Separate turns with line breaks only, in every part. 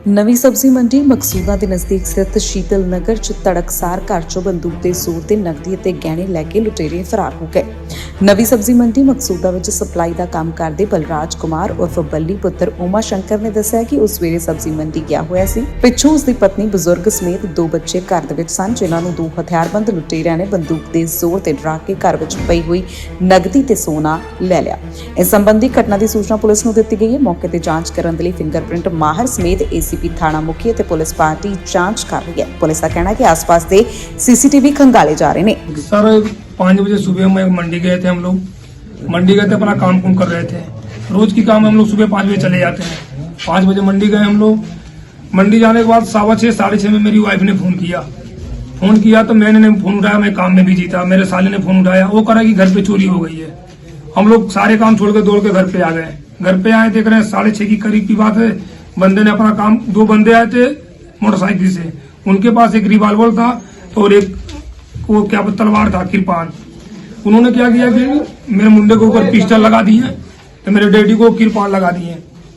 ਨਵੀਂ ਸਬਜ਼ੀ ਮੰਡੀ ਮਕਸੂਦਾ ਦੇ ਨਜ਼ਦੀਕ ਸਥਿਤ ਸ਼ੀਤਲ ਨਗਰ 'ਚ ਤੜਕਸਾਰ ਘਰ 'ਚੋਂ ਬੰਦੂਕ ਦੇ ਜ਼ੋਰ ਤੇ ਨਕਦੀ ਅਤੇ ਗਹਿਣੇ ਲੈ ਕੇ ਲੁਟੇਰੇ ਫਰਾਰ ਹੋ ਗਏ। ਨਵੀਂ ਸਬਜ਼ੀ ਮੰਡੀ ਮਕਸੂਦਾ ਵਿੱਚ ਸਪਲਾਈ ਦਾ ਕੰਮ ਕਰਦੇ ਬਲਰਾਜ ਕੁਮਾਰ ਉਰਫ ਬੱਲੀ ਪੁੱਤਰ ਉਮਾ ਸ਼ੰਕਰ ਨੇ ਦੱਸਿਆ ਕਿ ਉਸ ਸਵੇਰੇ ਸਬਜ਼ੀ ਮੰਡੀ ਗਿਆ ਹੋਇਆ ਸੀ। ਪਿੱਛੋਂ ਉਸ ਦੀ ਪਤਨੀ ਬਜ਼ੁਰਗ ਸਮੇਤ 2 ਬੱਚੇ ਘਰ ਦੇ ਵਿੱਚ ਸਨ, ਜਿਨ੍ਹਾਂ ਨੂੰ 2 ਹਥਿਆਰਬੰਦ ਲੁਟੇਰਿਆਂ ਨੇ ਬੰਦੂਕ ਦੇ ਜ਼ੋਰ ਤੇ ਡਰਾ ਕੇ ਘਰ ਵਿੱਚ ਪਈ ਹੋਈ ਨਕਦੀ ਤੇ ਸੋਨਾ ਲੈ ਲਿਆ। ਇਸ ਸੰਬੰਧੀ ਘਟਨਾ ਦੀ ਸੂਚਨਾ ਪੁਲਿਸ ਨੂੰ ਦਿੱਤੀ ਗਈ ਹੈ। ਮੌਕੇ ਤੇ ਜਾਂਚ ਕਰਨ ਦੇ ਲਈ ਫਿੰਗਰਪ੍ਰਿੰਟ ਮਾਹਰ ਸਮੇਤ एसीपी थाना मुखी ते पुलिस पार्टी जांच कर रही है। पुलिस का कहना है कि आसपास के सीसीटीवी खंगाले जा रहे हैं।
सर 5 बजे सुबह में मंडी गए थे, हम लोग मंडी गए थे, अपना काम कर रहे थे। रोज की काम हम लोग सुबह 5 बजे चले जाते हैं। 5 बजे मंडी गए हम लोग। मंडी जाने के बाद 6:15 साढ़े 6 में मेरी वाइफ ने फोन किया तो मैंने नहीं फोन उठाया, मैं काम में बिजी था। मेरे साले ने फोन उठाया, वो कहा कि घर पे चोरी हो गई है। हम लोग सारे काम छोड़ के दौड़ के घर पे आ गए। घर पे आए, देख रहे हैं 6:30 की करीब की बात है। बंदे ने अपना काम, 2 बंदे आए थे मोटरसाइकिल से, उनके पास एक रिवॉल्वर था और एक वो क्या तलवार था, किरपान। उन्होंने क्या किया कि मेरे मुंडे के ऊपर पिस्टल लगा दिए तो मेरे डैडी को किरपान लगा दिए।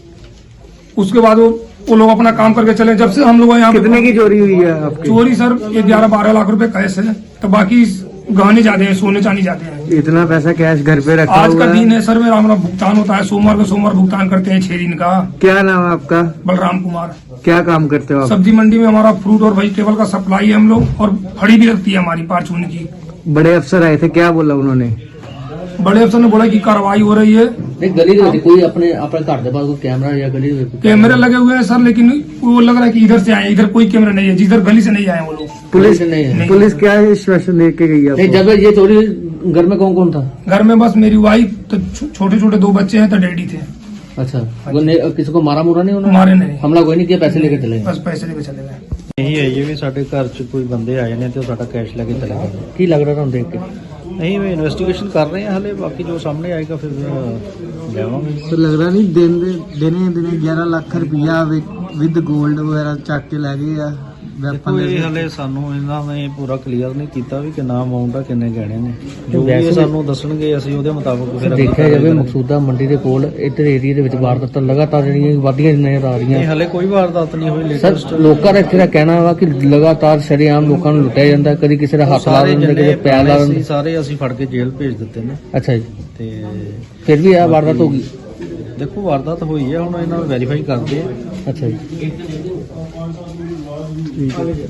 उसके बाद वो लोग अपना काम करके चले। जब से हम लोग यहाँ,
कितने की चोरी हुई है आपकी?
चोरी सर 11-12 लाख रुपए कैश है, तो बाकी गहने जाते हैं, सोने चांदी जाते हैं।
इतना पैसा कैश घर पे रखा
आज
हुआ
का दिन
है?
है सर, मेरा हमारा भुगतान होता है सोमवार को, सोमवार भुगतान करते हैं 6 दिन का।
क्या नाम है आपका?
बलराम कुमार।
क्या काम करते हो आप?
सब्जी मंडी में हमारा फ्रूट और वेजिटेबल का सप्लाई है हम लोग, और फड़ी भी लगती है हमारी पारचून की।
बड़े अफसर आए थे, क्या बोला उन्होंने?
बड़े अफसर ने बोला कि कार्रवाई हो रही है।
गली कोई अपने घर के पास कोई कैमरा या गली
कैमरे लगे हुए हैं सर, लेकिन वो लग रहा है कि इधर से आए, इधर कोई कैमरा नहीं है, जिधर गली से नहीं आए वो लोग।
पुलिस
नहीं है।
पुलिस क्या आश्वासन दे के गई आपको?
जब ये चोरी घर में कौन था?
घर में बस मेरी वाइफ, तो छोटे छोटे 2 बच्चे हैं, तो डैडी थे।
अच्छा, किसी को मारा मुरा नहीं उन्होंने?
मारे नहीं,
हमला कोई नहीं किया, पैसे लेके चले गए।
बस पैसे लेके चले गए।
ਇਹੀ ਹੈ ਜੀ ਵੀ ਸਾਡੇ ਘਰ 'ਚ ਕੋਈ ਬੰਦੇ ਆਏ ਨੇ ਤੇ ਉਹ ਸਾਡਾ ਕੈਸ਼ ਲੈ ਕੇ ਚਲੇ ਗਏ।
ਕੀ ਲੱਗ ਰਿਹਾ ਤੁਹਾਨੂੰ ਦੇਖ ਕੇ?
ਨਹੀਂ ਵੀ ਇਨਵੈਸਟੀਗੇਸ਼ਨ ਕਰ ਰਹੇ ਹਾਂ ਹਲੇ, ਬਾਕੀ ਜੋ ਸਾਹਮਣੇ ਆਏਗਾ ਫਿਰ ਲਿਆਵਾਂਗੇ।
तो लग रहा नहीं दिने 11 लाख रुपया विद गोल्ड वगैरह चक के लै गए आ।
ਦੇਖੋ ਇਹ ਹਲੇ ਸਾਨੂੰ ਇਹਨਾਂ ਨੇ ਪੂਰਾ ਕਲੀਅਰ ਨਹੀਂ ਕੀਤਾ ਵੀ ਕਿੰਨਾ ਅਮਾਉਂਟ ਆ, ਕਿੰਨੇ ਗਹਿਣੇ ਨੇ। ਜੋ ਵੀ ਇਹ ਸਾਨੂੰ ਦੱਸਣਗੇ ਅਸੀਂ ਉਹਦੇ ਮੁਤਾਬਕ ਫਿਰ
ਦੇਖਿਆ ਜਾਵੇ ਮਕਸੂਦਾ ਮੰਡੀ ਦੇ ਕੋਲ ਇੱਧਰ ਏਰੀਆ ਦੇ ਵਿੱਚ ਵਾਰਦਾਤਾਂ ਲਗਾਤਾਰ ਜਿਹੜੀਆਂ ਵਧੀਆਂ ਨਜ਼ਰ ਆ ਰਹੀਆਂ।
ਇਹ ਹਲੇ ਕੋਈ ਵਾਰਦਾਤ ਨਹੀਂ ਹੋਈ
ਸਰ
ਲੇਟੈਸਟ।
ਲੋਕਾਂ ਦਾ ਇੱਥੇ ਦਾ ਕਹਿਣਾ ਵਾ ਕਿ ਲਗਾਤਾਰ ਸ਼ਰੇਆਮ ਲੋਕਾਂ ਨੂੰ ਲੁੱਟਿਆ ਜਾਂਦਾ, ਕਦੀ ਕਿਸੇ ਦਾ ਹੱਥ ਲਾ ਦਿੰਦੇ, ਕਦੇ ਪੈਰ ਲਾ ਦਿੰਦੇ।
ਸਾਰੇ ਅਸੀਂ ਫੜ ਕੇ ਜੇਲ੍ਹ ਭੇਜ ਦਿੱਤੇ ਨੇ।
ਅੱਛਾ ਜੀ,
ਤੇ
ਫਿਰ ਵੀ ਇਹ ਵਾਰਦਾਤ ਹੋ ਗਈ?
ਦੇਖੋ ਵਾਰਦਾਤ ਹੋਈ ਹੈ, ਹੁਣ ਇਹਨਾਂ ਨੂੰ ਵੈਰੀਫਾਈ ਕਰਦੇ ਆ।
ਅੱਛਾ ਜੀ।